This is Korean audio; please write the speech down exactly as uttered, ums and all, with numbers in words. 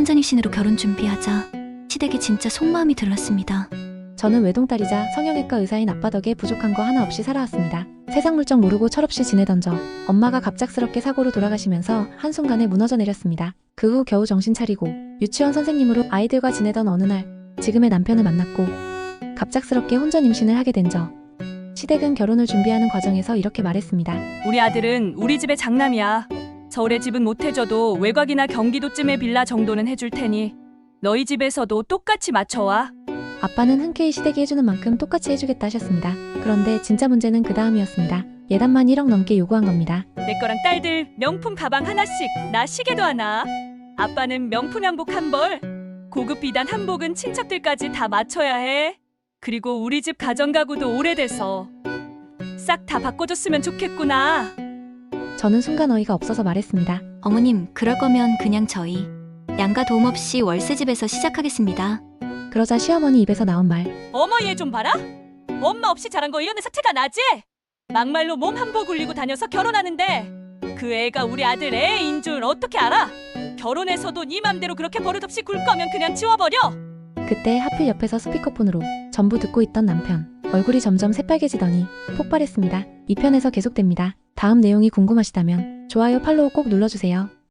혼전입신으로 결혼 준비하자 시댁이 진짜 속마음이 들렀습니다. 저는 외동딸이자 성형외과 의사인 아빠 덕에 부족한 거 하나 없이 살아왔습니다. 세상 물정 모르고 철없이 지내던 저, 엄마가 갑작스럽게 사고로 돌아가시면서 한순간에 무너져 내렸습니다. 그 후 겨우 정신 차리고 유치원 선생님으로 아이들과 지내던 어느 날 지금의 남편을 만났고 갑작스럽게 혼전 임신을 하게 된 저. 시댁은 결혼을 준비하는 과정에서 이렇게 말했습니다. 우리 아들은 우리 집의 장남이야. 서울의 집은 못 해줘도 외곽이나 경기도쯤의 빌라 정도는 해줄 테니 너희 집에서도 똑같이 맞춰와. 아빠는 흔쾌히 시댁이 해주는 만큼 똑같이 해주겠다 하셨습니다. 그런데 진짜 문제는 그 다음이었습니다. 예단만 일억 넘게 요구한 겁니다. 내 거랑 딸들 명품 가방 하나씩, 나 시계도 하나. 아빠는 명품 한복 한 벌, 고급 비단 한복은 친척들까지 다 맞춰야 해. 그리고 우리 집 가정가구도 오래돼서 싹 다 바꿔줬으면 좋겠구나. 저는 순간 어이가 없어서 말했습니다. 어머님, 그럴 거면 그냥 저희 양가 도움 없이 월세집에서 시작하겠습니다. 그러자 시어머니 입에서 나온 말. 어머 얘 좀 봐라. 엄마 없이 자란 거 이런 애서 티가 나지? 막말로 몸 한복 울리고 다녀서 결혼하는데 그 애가 우리 아들 애인 줄 어떻게 알아? 결혼해서도 네 맘대로 그렇게 버릇없이 굴 거면 그냥 지워버려. 그때 하필 옆에서 스피커폰으로 전부 듣고 있던 남편. 얼굴이 점점 새빨개지더니 폭발했습니다. 이 편에서 계속됩니다. 다음 내용이 궁금하시다면 좋아요 팔로우 꼭 눌러주세요.